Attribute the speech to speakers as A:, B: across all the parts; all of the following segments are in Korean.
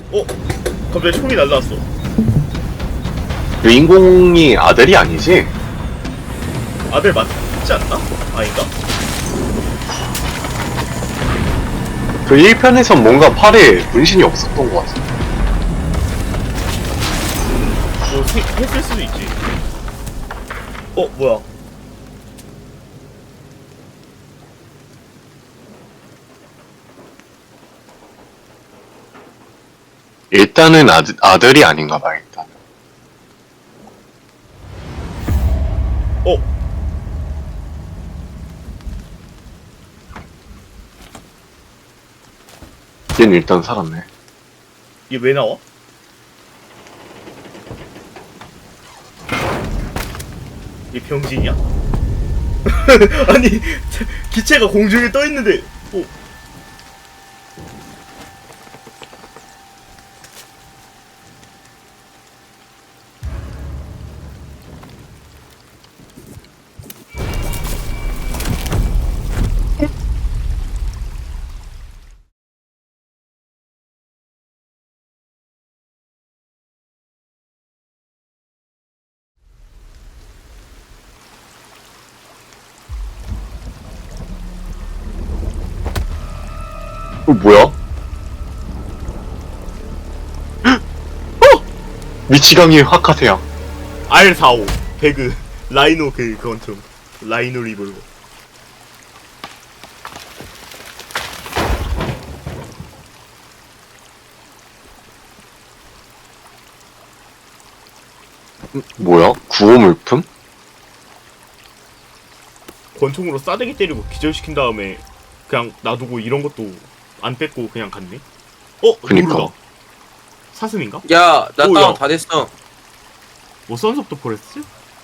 A: 어? 갑자기 총이 날라왔어.
B: 주인공이 아들이 아니지?
A: 아들 맞지 않나? 아닌가?
B: 그 1편에선 뭔가 팔에 문신이 없었던 것 같아.
A: 뭐 했을 수도 있지. 뭐야?
B: 일단은 아들이 아닌가 봐, 일단.
A: 어?
B: 얘는 일단 살았네.
A: 얘 왜 나와? 얘 병신이야? 아니 기체가 공중에 떠 있는데
B: 뭐야? 미치광이의 화카세야.
A: R45 배그 라이노 그건 좀 라이노 리볼버.
B: 뭐야? 구호물품?
A: 권총으로 싸대기 때리고 기절시킨 다음에 그냥 놔두고 이런 것도 안 뺏고 그냥 갔네?
B: 그니까.
A: 노루다. 사슴인가?
C: 야, 나
A: 오,
C: 다운
A: 야.
C: 다 됐어.
A: 뭐 선스 오브 더 포레스트?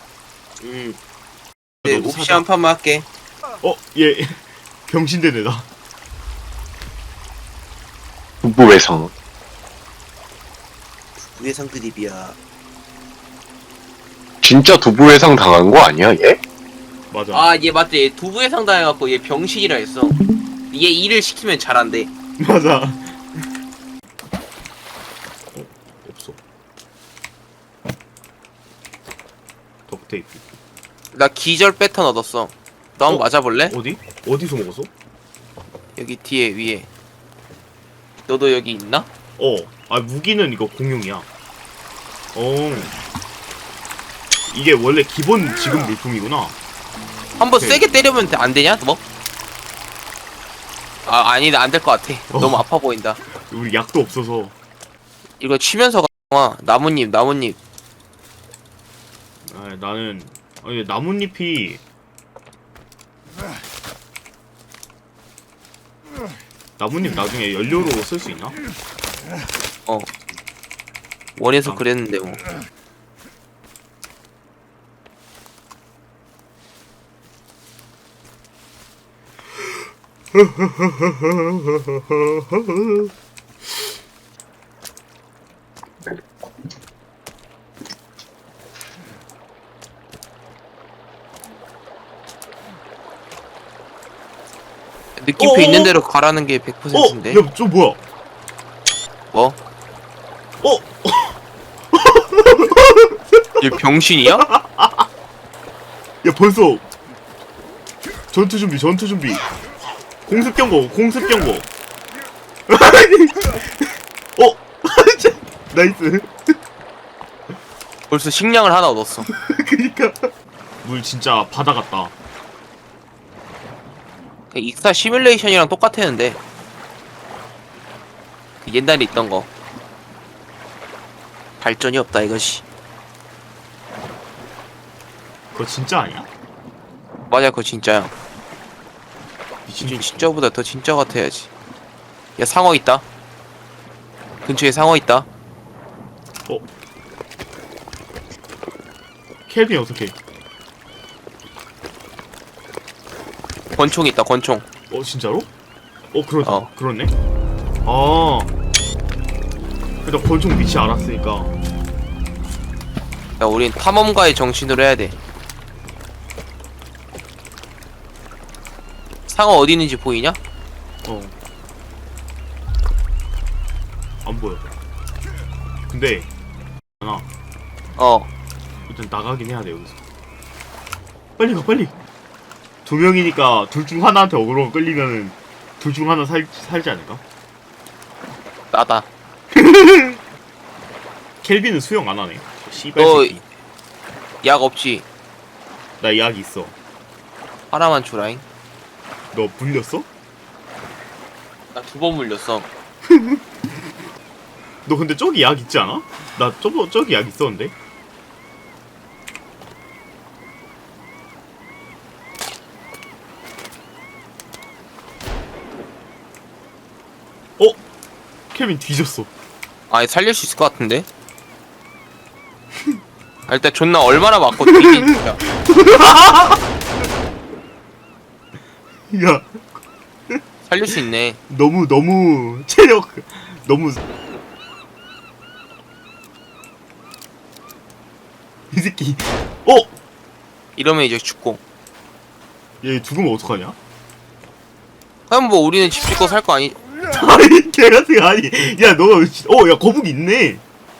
C: 네,
A: 너도
C: 옵시
A: 사자.
C: 한 판만 할게.
A: 얘 병신되네 나.
B: 부부외상.
C: 우회상 드립이야.
B: 진짜 두부외상 당한 거 아니야, 얘?
A: 맞아.
C: 아, 얘 맞지? 얘 두부회상 당해갖고 얘 병신이라 했어. 얘 일을 시키면 잘한대.
A: 맞아. 없어. 덕테이프.
C: 나 기절 패턴 얻었어. 너 한번 맞아볼래?
A: 어디? 어디서 먹었어?
C: 여기 뒤에 위에. 너도 여기 있나?
A: 무기는 이거 공용이야. 이게 원래 기본 지금 물품이구나.
C: 한번
A: 오케이.
C: 세게 때리면 안 되냐? 뭐? 아, 아니다. 안 될 것 같아. 너무 아파 보인다.
A: 우리 약도 없어서.
C: 이거 치면서 가. 나뭇잎.
A: 나는 나뭇잎이 나뭇잎 나중에 연료로 쓸 수 있나?
C: 원에서
A: 아.
C: 그랬는데 뭐. 느낌표 있는 대로 가라는 게 100%인데.
A: 야, 저 뭐야?
C: 뭐?
A: 어?
C: 얘 병신이야?
A: 야, 벌써 전투 준비. 공습 경고. 나이스.
C: 벌써 식량을 하나 얻었어.
A: 그니까 물 진짜 바다 같다.
C: 익사 시뮬레이션이랑 똑같았는데 옛날에 있던 거. 발전이 없다 이것이.
A: 그거 진짜 아니야?
C: 맞아, 그거 진짜야.
A: 미친.
C: 진짜보다 더 진짜 같아야지. 야, 상어 있다. 근처에 상어 있다.
A: 켈빈 어떻게?
C: 권총 있다, 권총.
A: 진짜로? 그러다.
C: 어.
A: 그렇네. 일단 권총 위치 알았으니까.
C: 야, 우린 탐험가의 정신으로 해야 돼. 상어 어디 있는지 보이냐?
A: 안 보여. 근데 하나
C: 어.
A: 일단 나가긴 해야 돼 여기서. 빨리 가 빨리. 두 명이니까 둘 중 하나한테 어그로가 끌리면은 둘 중 하나 살지 않을까?
C: 나다.
A: 켈빈은 수영 안 하네. 씨발
C: 너-
A: 새끼.
C: 약 없지?
A: 나 약 있어.
C: 하나만 주라잉.
A: 너 불렸어?
C: 나 2번 물렸어.
A: 너 근데 저기 약 있지 않아? 나 저기 약 있었는데? 어? 케빈 뒤졌어.
C: 아니 살릴 수 있을 것 같은데? 아, 일단 존나 얼마나 맞고 뒤진 진짜.
A: 야,
C: 살릴 수 있네.
A: 너무 체력 너무 이 새끼. 어?
C: 이러면 이제 죽고.
A: 얘 죽으면 어떡하냐?
C: 그럼 뭐 우리는 집 짓고 살 거 아니?
A: 아니 걔같은 거 아니. 야 너 야 거북이 있네.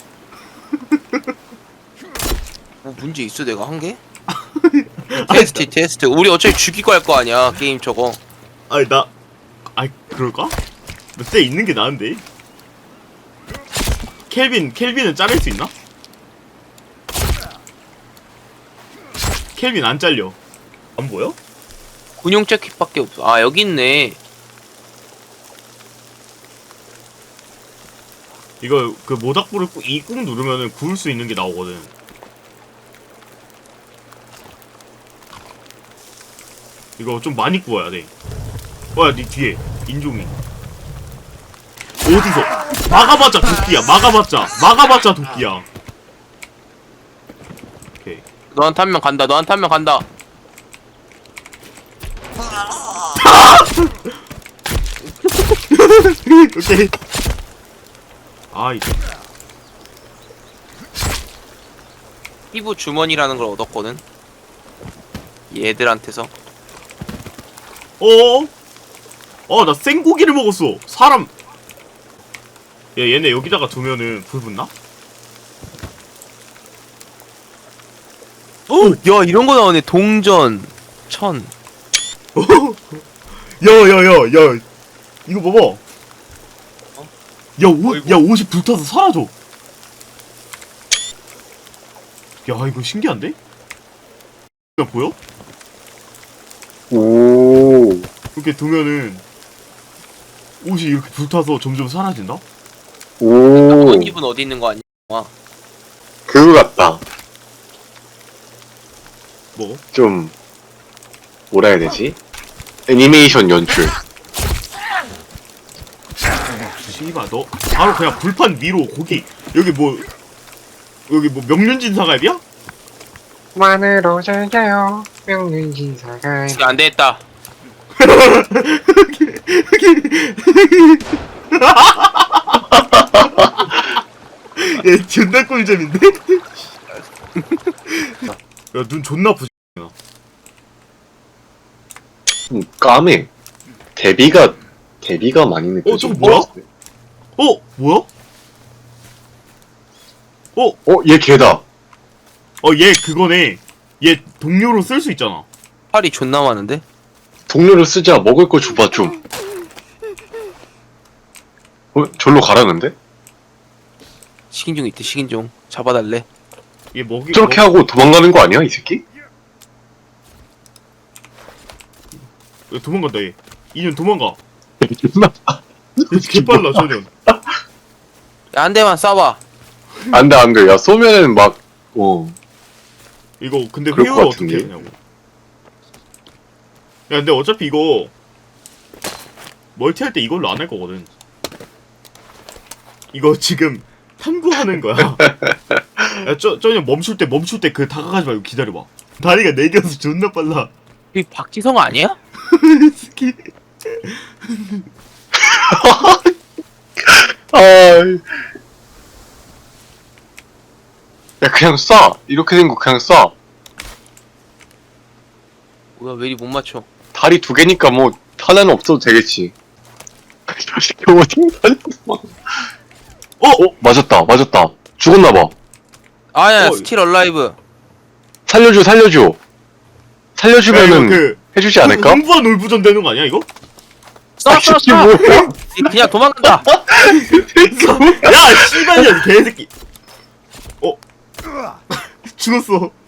C: 뭐 문제 있어 내가 한 게? 테스트. 우리 어차피 죽이고 할 거 아니야 게임 저거.
A: 아니 그럴까? 너 쎄 있는 게 나은데. 켈빈은 자를 수 있나? 켈빈 안 잘려. 안 보여?
C: 군용 재킷밖에 없어. 아 여기 있네.
A: 이거 그 모닥불을 꾹 누르면은 구울 수 있는 게 나오거든. 이거 좀 많이 구워야 돼. 야, 네 뒤에 인종이 어디서? 막아봤자 도끼야. 도끼야. 오케이.
C: 너한테 한 명 간다.
A: 오케이. 아,
C: 피부 주머니라는 걸 얻었거든. 얘들한테서.
A: 나 생고기를 먹었어. 사람. 야, 얘네 여기다가 두면은 불 붙나?
C: 야 이런 거 나오네. 동전 1000.
A: 야, 이거 봐봐. 야, 옷이 불타서 사라져. 야, 이거 신기한데? 야, 보여?
B: 오.
A: 이렇게 두면은 옷이 이렇게 불타서 점점 사라진다?
B: 오.
C: 그런 입은 어디 있는 거 아니야?
B: 그거 같다.
A: 뭐?
B: 좀 뭐라 해야 되지? 애니메이션 연출.
A: 씨발, 너 바로 그냥 불판 위로 고기. 여기 뭐 명륜진 사갈비야?
B: 만으로 즐겨요 명륜진 사갈.
C: 지금 안 되겠다.
A: 얘 존나 꿀잼인데? 야, 눈 존나 부지.
B: 까매. 데비가 많이 느껴져.
A: 저거 뭐야? 뭐야?
B: 얘 개다.
A: 얘 그거네. 얘 동료로 쓸 수 있잖아.
C: 팔이 존나 많은데?
B: 동료를 쓰자. 먹을 거 줘봐 좀. 절로 가라는데?
C: 식인종 있대. 식인종 잡아달래.
A: 얘 먹이
B: 저렇게 하고 도망가는 거 아니야 이 새끼?
A: 도망간다 얘. 이년 도망가. 얘 개빨라 저년.
C: 야, 한 대만 쏴봐.
B: 안돼. 야 쏘면은 막
A: 이거 근데
B: 그럴
A: 회유를
B: 것
A: 어떻게
B: 같은데?
A: 하냐고. 야, 근데 어차피 이거 멀티할 때 이걸로 안 할 거거든. 이거 지금 탐구하는 거야. 야, 저년 멈출 때 그 다가가지 말고 기다려봐. 다리가 네 개여서 존나 빨라.
C: 이 박지성 아니야?
A: 스키.
B: 야 그냥 쏴. 이렇게 된 거 그냥 쏴.
C: 뭐야 왜 이리 못 맞춰?
B: 다리 2개니까 뭐 하나는 없어도 되겠지. 저 새끼 어디 다녔어? 맞았다. 죽었나봐.
C: 아야
A: 어.
C: 스틸 얼라이브.
B: 살려줘.
A: 야, 이거
B: 살려주면은
A: 그
B: 해주지 않을까?
A: 흥부와 놀부전 되는 거 아니야 이거?
C: 쏴 쏴
B: 이게
C: 쏴.
B: 뭐야?
C: 그냥 도망간다.
A: 야 씨발년 개새끼. 죽었어.